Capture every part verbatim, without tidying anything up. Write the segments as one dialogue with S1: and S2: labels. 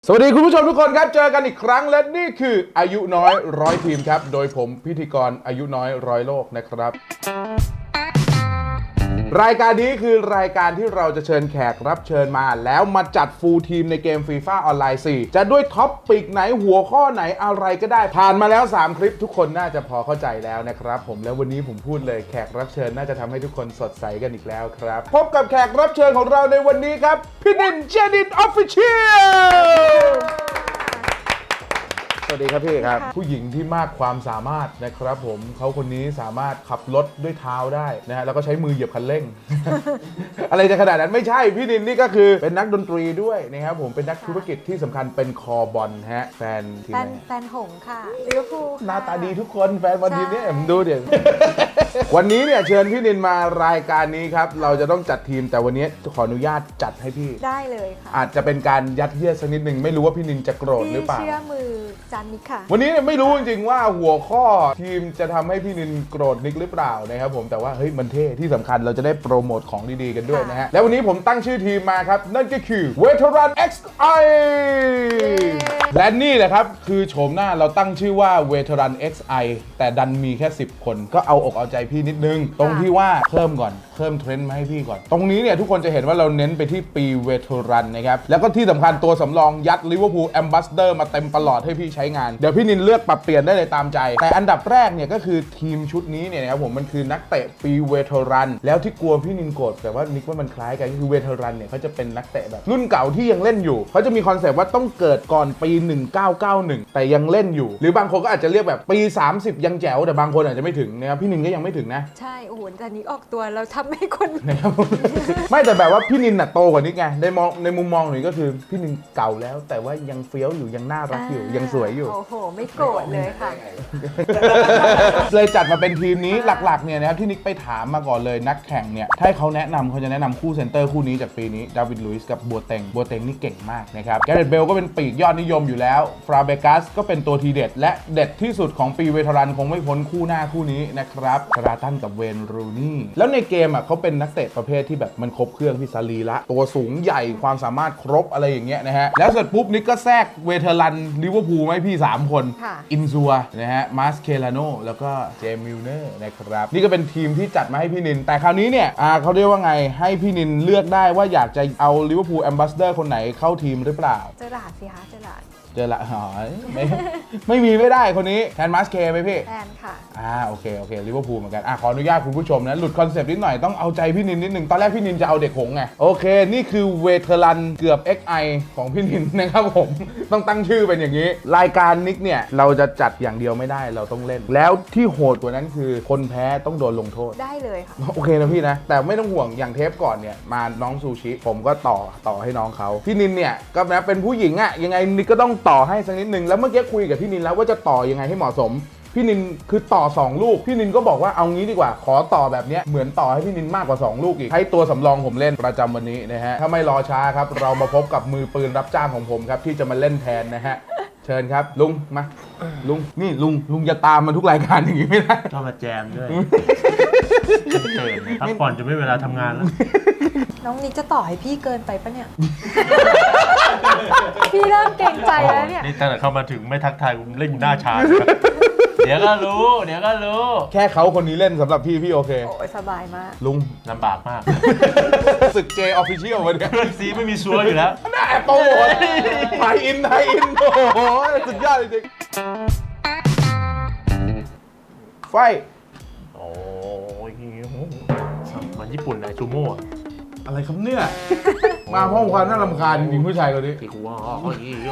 S1: สวัสดีคุณผู้ชมทุกคนครับเจอกันอีกครั้งและนี่คืออายุน้อยร้อยทีมครับโดยผมพิธีกรอายุน้อยร้อยโลกนะครับรายการนี้คือรายการที่เราจะเชิญแขกรับเชิญมาแล้วมาจัดฟูลทีมในเกม FIFA ออนไลน์ สี่จะด้วยท็อปปิกไหนหัวข้อไหนอะไรก็ได้ผ่านมาแล้วสามคลิปทุกคนน่าจะพอเข้าใจแล้วนะครับผมแล้ววันนี้ผมพูดเลยแขกรับเชิญน่าจะทำให้ทุกคนสดใสกันอีกแล้วครับพบกับแขกรับเชิญของเราในวันนี้ครับพี่นินเจนินออฟฟิเชียลสวัสดีครับพี่ครับผู้หญิงที่มากความสามารถนะครับผมเขาคนนี้สามารถขับรถด้วยเท้าได้นะฮะแล้วก็ใช้มือเหยียบคันเร่ง อะไรจะขนาดนั้นไม่ใช่พี่นินนี่ก็คือเป็นนักดนตรีด้วยนะครับผมเป็นนักธุรกิจที่สำคัญเป็นคอบอลฮะแฟนทีม
S2: แฟ
S1: ไห
S2: น
S1: น
S2: แฟนหงส์ค่ะลิเวอร์พูลค่ะ
S1: หน้าตาดีทุกคนแฟนบอลทีมนี้
S2: ใช่
S1: ผมดูเดี๋ยว วันนี้เนี่ยเชิญพี่นินมารายการนี้ครับเราจะต้องจัดทีมแต่วันนี้ขออนุญาตจัดให้พี่
S2: ได้เลยค่ะ
S1: อาจจะเป็นการยัดเยียดสักนิดหนึ่งไม่รู้ว่าพี่นินจะโกรธหรือเปล่า
S2: พี่เชื่อมือจันนิกค่ะ
S1: วันนี้เนี่ยไม่รู้จริงๆว่าหัวข้อทีมจะทำให้พี่นินโกรธนิกหรือเปล่านะครับผมแต่ว่าเฮ้ยมันเท่ที่สำคัญเราจะได้โปรโมทของดีๆกันด้วยนะฮะแล้ววันนี้ผมตั้งชื่อทีมมาครับนั่นก็คือ Veteran เอ็กซ์ ไอ และนี่แหละครับคือโฉมหน้าเราตั้งชื่อว่า Veteran เอ็กซ์ ไอ แต่ดันมีแค่สิบคนก็เอาอกเอาใจพี่นิดนึงตรงที่ว่าเพิ่มก่อนเพิ่มเทรนด์มาให้พี่ก่อนตรงนี้เนี่ยทุกคนจะเห็นว่าเราเน้นไปที่ปี Veteran นะครับแล้วก็ที่สำคัญตัวสำรองยัด Liverpool Ambassador มาเต็มประหลอดให้พี่ใช้งานเดี๋ยวพี่นินเลือกปรับเปลี่ยนได้เลยตามใจแต่อันดับแรกเนี่ยก็คือทีมชุดนี้เนี่ยนะครับผมมันคือนักเตะปี Veteran แล้วที่กลัวพี่นินโกรธแต่ว่านิกว่ามันคล้ายกันก็คือ Veteran เนี่ยเขาจะเป็นนักเตะแบบรุ่นเก่าที่ยังเล่นอยู่เขาจะมีคอนเซปต์ว่าต้องเกิดก่อนปีหนึ่งเก้าเก้าหนึ่งแต่ยังเล่นอยู่หรือบางคนก็อาจจะเรียกแบบปีสามสิบยังแจ๋วแต่บางคนอาจจะไม่ถึงนะครับพี่นินก็ยังไม่ถึงนะ
S2: ใช่โอ้โหจันนิกออกตัวเราทำให้คน
S1: นะครับไม่แต่แบบว่าพี่นินน่ะโตกว่านิกไงในมองในมุมมองหนูก็คือพี่นินเก่าแล้วแต่ว่ายังเฟี้ยวอยู่ยังน่ารักอยู่ยังสวยอยู่
S2: โอ้โหไม่โกรธเลยค่ะ
S1: เลยจัดมาเป็นทีมนี้หลักๆเนี่ยนะครับที่นิกไปถามมาก่อนเลยนักแข่งเนี่ยถ้าให้เขาแนะนำเขาจะแนะนำคู่เซนเตอร์คู่นี้จากปีนี้ดาวิดลุยส์กับบัวเต็งบัวเต็งนี่เก่งมากนะครับแกเรตเบลก็เป็นปีกยอดนิยมอยู่แล้วฟราเบกัสก็เป็นตัวทีเด็ดและเด็ดที่สุดของปีเวทรันคงไม่พ้นคู่หน้าคู่นี้นะครับคาราตันกับเวนรูนี่แล้วในเกมอ่ะเขาเป็นนักเตะประเภทที่แบบมันครบเครื่องพี่ซาลีละตัวสูงใหญ่ความสามารถครบอะไรอย่างเงี้ยนะฮะแล้วเสร็จปุ๊บนิกก็แทรกเวเทรันลิเวอร์พูลไหมพี่สามคน
S2: ค่ะ
S1: อินซัวนะฮะมาสเคลาโนแล้วก็เจมมิลเนอร์นะครับนี่ก็เป็นทีมที่จัดมาให้พี่นินแต่คราวนี้เนี่ยอ่าเขาเรียกว่าไงให้พี่นินเลือกได้ว่าอยากจะเอาลิเวอร์พูลแอมบาสเดอร์คนไหนเข้าทีมหรือเปล่า
S2: เจอหลาดสิคะเจอหลาด
S1: เจอละหอยไม่ไม่มีไม่ได้คนนี้แทนมาสเคไหมพี่
S2: แทนค่ะ
S1: อ่าโอเคโอเคลิเวอร์พูลเหมือนกันอ่ะขออนุญาตคุณผู้ชมนะหลุดคอนเซปต์นิดหน่อยต้องเอาใจพี่นินนิดหนึ่งตอนแรกพี่นินจะเอาเด็กหงไงโอเคนี่คือเวเทรันเกือบ เอ็กซ์ ไอ ของพี่นินนะครับผมต้องตั้งชื่อเป็นอย่างนี้รายการนิกเนี่ยเราจะจัดอย่างเดียวไม่ได้เราต้องเล่น แล้วที่โหดกว่านั้นคือคนแพ้ต้องโดนลงโทษ
S2: ได้เลยค่ะ
S1: โอเคนะพี่นะแต่ไม่ต้องห่วงอย่างเทปก่อนเนี่ยมาน้องซูชิผมก็ต่อต่อให้น้องเขาพี่นินเนี่ยก็นะเป็นผู้หญิงอะยังไงนิกก็ต้องต่อให้สักนิดนึงแล้วเมื่อกี้คุยกับพี่นินแล้วว่าจะต่อยังไงให้เหมาะสมพี่นินคือต่อสองลูกพี่นินก็บอกว่าเอางี้ดีกว่าขอต่อแบบเนี้ยเหมือนต่อให้พี่นินมากกว่าสองลูกอีกให้ตัวสำรองผมเล่นประจำวันนี้นะฮะถ้าไม่รอช้าครับเรามาพบกับมือปืนรับจ้างของผมครับที่จะมาเล่นแทนนะฮะเชิญครับลุงมาลุงนี่ลุงลุงจะตามมาทุกรายการอย่างนี้ไม่ได้
S3: ชอบมาแจมด้วยเกินพักผ่อนจะไม่เวลาทำงานแล้ว
S2: น้องนิกจะต่อให้พี่เกินไปปะเนี่ย พี่เริ่มเกรงใจแล้วเนี่ย
S3: นี่ตั้งแต่เข้ามาถึงไม่ทักทายผมเล่นอยู่หน้าชาเลยครับเดี๋ยวก็รู้ เดี๋ยวก็รู้
S1: แค่เขาคนนี้เล่นสำหรับพี่พี่โอเค
S2: โอ้ยสบายมาก
S1: ลุง
S3: ลำบากมาก
S1: ศึกเจออฟฟิเชียลวันนี้
S3: ซีไม่มีซัวอยู่แล้ว
S1: น่าแอบโตไทยอินไทยอินโอ้โหสุดยอดจริงไฟ
S3: โอ้ยมันญี่ปุ่นเลยชูโม่อะ
S1: อะไรครับเนี่ย มาห้องความน่ารำคาญจริงๆผู้ชายคนนี้
S3: ที่กูว่าอ๋อยี่โย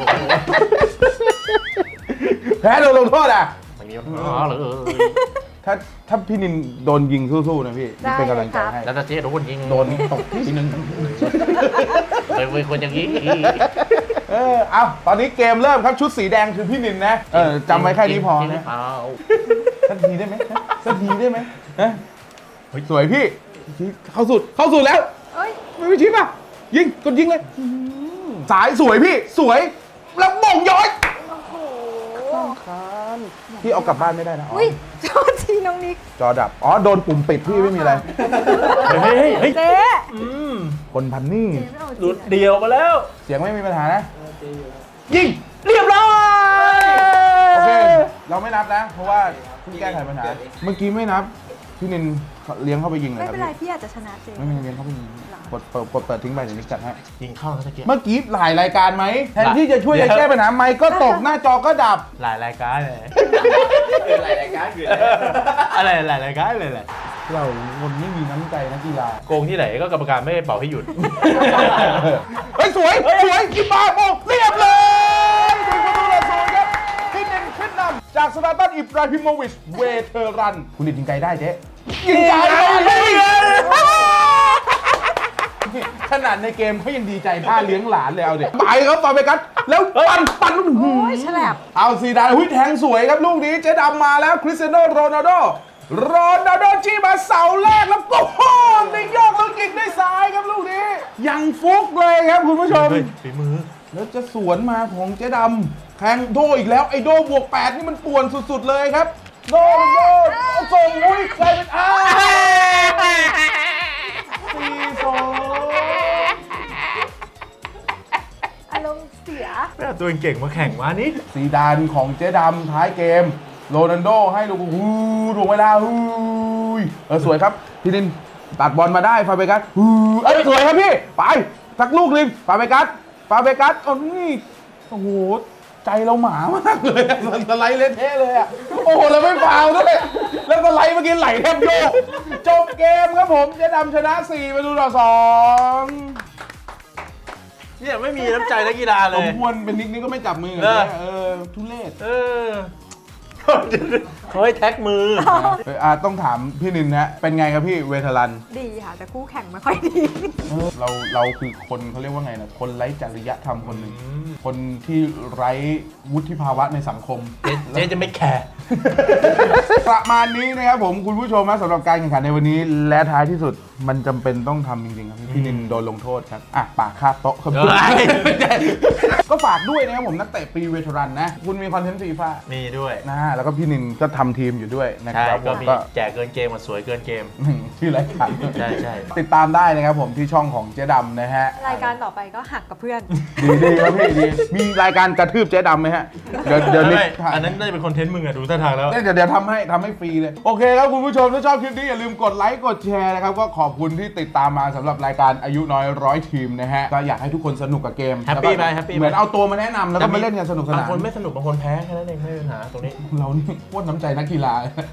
S1: แพ้โดนลงโทษอ่ะ
S3: ไม่มีปัญหาเลย
S1: ถ้าถ้าพี่นินโดนยิงสู้ๆนะพี่
S2: ได้
S1: เป็นกำลังใจ
S2: เลยครับ
S1: ให้
S3: แล้วถ้าเจ๊โดนยิง
S1: โดนตกทีนึง
S3: เคยเป็นคนอย่างนี้
S1: เออเอาตอนนี้เกมเริ่มครับชุดสีแดงคือพี่นินนะเออจำไว้แค่นี้พอ
S3: จริงหรื
S1: นะ
S3: เปล่า
S1: สักทีได้ไหมสักทีได้ไหมฮะสวยพี่เข้าสุดเข้าสุดแล้ว
S2: เอ้ย
S1: ไม่ไปชิปอ่ะยิงกดยิงเลยสายสวยพี่สวยแล้วบ่งย้อย
S2: โอ้โห
S1: พี่เอากลับบ้านไม่ได้นะอ๋อ
S2: อุ้ยโทษทีน้องนิก
S1: จอดับอ๋อโดนปุ่มปิดพี่ไม่มีอะไร
S3: เฮ้ยเฮ้ยเฮ้ย
S2: เจ๊
S3: อืม
S1: คนพันนี่
S2: เจ๊ไม่เอาจ
S3: หลุ
S2: ริ
S3: ด
S2: งอะ
S3: เดียวมาแล้ว
S1: เสียงไม่มีปัญหานะไม่นับนะ เพราะว่าเพิ่งแก้ไขปัญหา เมื่อกี้ไม่นับ พี่นินเลี้ยงเข้าไปยิงเลย
S2: ไม่
S1: ครับ
S2: เป็นไร
S1: พี่
S2: พี่อาจจะชนะเจ
S1: ไม่ไม่เลี้ยงเข้าไปยิงกดเปิดกดเปิดทิ้งไปเดี๋ยวนี้จัดให้
S3: ยิงเข้าแล้วตะเกียบ
S1: เมื่อกี้หลายรายการไหมแทนที่จะช่วย
S3: เดี๋
S1: จะ
S3: ยว
S1: แก้ปัญหาไมค์ก็ตกหน้าจอก็ดับ
S3: หลายรายการเลย
S4: คืออะไรรายการคืออะไร
S3: อะไรหลายรายการเลยแหละ
S1: เราคนไม่มีน้ำใจนักกีฬา
S3: โกงที่ไหนก็กรรมการไม่ได้เป่าให้หยุด
S1: เฮ้ยสวยสวยกินบาโบเรียบเลยถึงประตูละสองครับพี่นินขึ้นนำจากสตาร์ตันอิบราฮิโมวิชเวเทอรันคุณนินยิงไกลได้เจ๊ยิงไกลเลยขนาดในเกมเขายังดีใจท่าเลี้ยงหลานเลยเอาเด็กไปครับฟาเบกัสแล้วปั่นปั่นลูกหู
S2: โอ้ยฉลับ
S1: เอาซีดานหุ้ยแทงสวยครับลูกนี้เจ๊ดำมาแล้วคริสเตียโนโรนัลโดโรนัลโดจี้มาเสาแรกแล้วก็โค้งในโยกแล้วยิงด้วยซ้ายครับลูกนี้ยังฟุกเลยครับคุณผู้ชม
S3: เฮ้ยฝีมือ
S1: แล้วจะสวนมาของเจ๊ดำแทงโดอีกแล้วไอโดบวกแปดนี่มันป่วนสุดๆเลยครับโดโดส่งอุ้ยกลายเป็นอ้าวสี่สอง
S2: อารมณ์เสีย
S3: ไม่เอาตัวเก่งมาแข่งวะนี่
S1: ซีดานของเจ๊ดำท้ายเกมโรนัลโดให้ลูกฮูถ่วงเวลาฮูเออสวยครับพี่นินตัดบอลมาได้ฟาเบกัสฮูเอ้ยสวยครับพี่ไปสักลูกหนึงฟาเบกัสฟาเบกัสโอ้นี่โอ้โหใจเราหมามากเลยอะสไลด์เละเทะเลยอ่ะโอ้โหเราไม่ฟาวล์ด้วยแล้วสไลด์เมื่อกี้ไหลแทบโยกจบเกมครับผมเจ๊ดำชนะสี่ประตูต่อสอง
S3: เนี่ยไม่มีน้ำใจนักกีฬาเล
S1: สม
S3: ย
S1: ควรเป็นนิกนี่ก็ไม่จับมือกัน
S3: เออ
S1: เออทุเรศ
S3: เออเขาให้แท็กมือ
S1: เอออ่ะต้องถามพี่นินนะเป็นไงครับพี่เวทลัน
S2: ดีค่ะ แต่คู่แข่งไม่ค่อยดี
S1: เราเราคือคนเขาเรียกว่าไงนะคนไร้จริยธรรมคนหนึ่งคนที่ไร้วุฒิภาวะในสังคม
S3: เจ๊เจ๊จะไม่แคร์
S1: ประมาณนี้นะครับผมคุณผู้ชมนะสำหรับการแข่งขันในวันนี้และท้ายที่สุดมันจำเป็นต้องทำจริงๆครับพี่นินโดนลงโทษครับอ่ะปากคาบโต๊ะครับ
S3: เอ้ย
S1: ก็ฝากด้วยนะครับผมนักเตะปีเวทรันนะคุณมีคอนเทนต์ฟีฟ่า
S3: มีด้วย
S1: นะแล้วก็พี่นินก็ทำทีมอยู่ด้วยนะค
S3: ใช่
S1: รับผ
S3: ก็
S1: ม
S3: มี
S1: ก็
S3: แจกเกินเกมมาสวยเกินเกม
S1: อืมชื่อรายการ
S3: ใช่ใช่
S1: ติดตามได้นะครับผมที่ช่องของเจ๊ดำนะฮะ
S2: รายการต่อไปก็หักกับเพื่อน
S1: ดีดีครับพี่ดีมีรายการกระทืบเจ๊ดำไหมฮะเดี๋ยวเดี๋ยวนิด
S3: ไม่อันนั้นน่าจะเป็นคอนเทนต์มึงอะดูท่าทางแล้ว
S1: เดี๋ยวเดี๋ยวทำให้ทำให้ฟรีเลยโอเคครับคุณผู้ชมถ้าชอบคลิปนี้อย่าลืมกดไลค์กดแชร์นะครับก็ขอบคุณที่ติดตามมาสำหรับรายการอายุน้อยร้อยทีมนะฮะก็อยากให้ทุกคนสนุกกับเกม
S3: แฮปปี้
S1: ล้วก็
S3: ไปแฮปปี้ไป
S1: เหมือนเอาตัวมาแนะนำแล้วก็มาเล่นกันสนุกส
S3: บาง
S1: นาน
S3: คนไม่สนุกบางคนแพ้แค่นั้นเองไม่มีปัญหาตรงนี้
S1: เรานี่โคตรน้ำใจนักกีฬา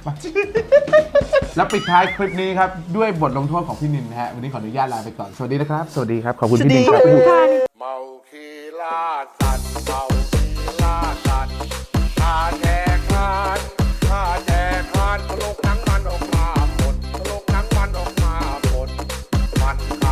S1: แล้วปิดท้ายคลิปนี้ครับด้วยบทลงโทษของพี่นินนะฮะวันนี้ขออนุญาตลาไปก่อนสวัสดีนะครับสวัสดีครับขอบคุณพี่นินครับ
S5: เมาคีลาสัตว์เมาคีลาสัตว์ข้าแจกคานข้าแจกคานพลกหนังมันออกมาหมดพลกหนังมันออกมาหมดมัน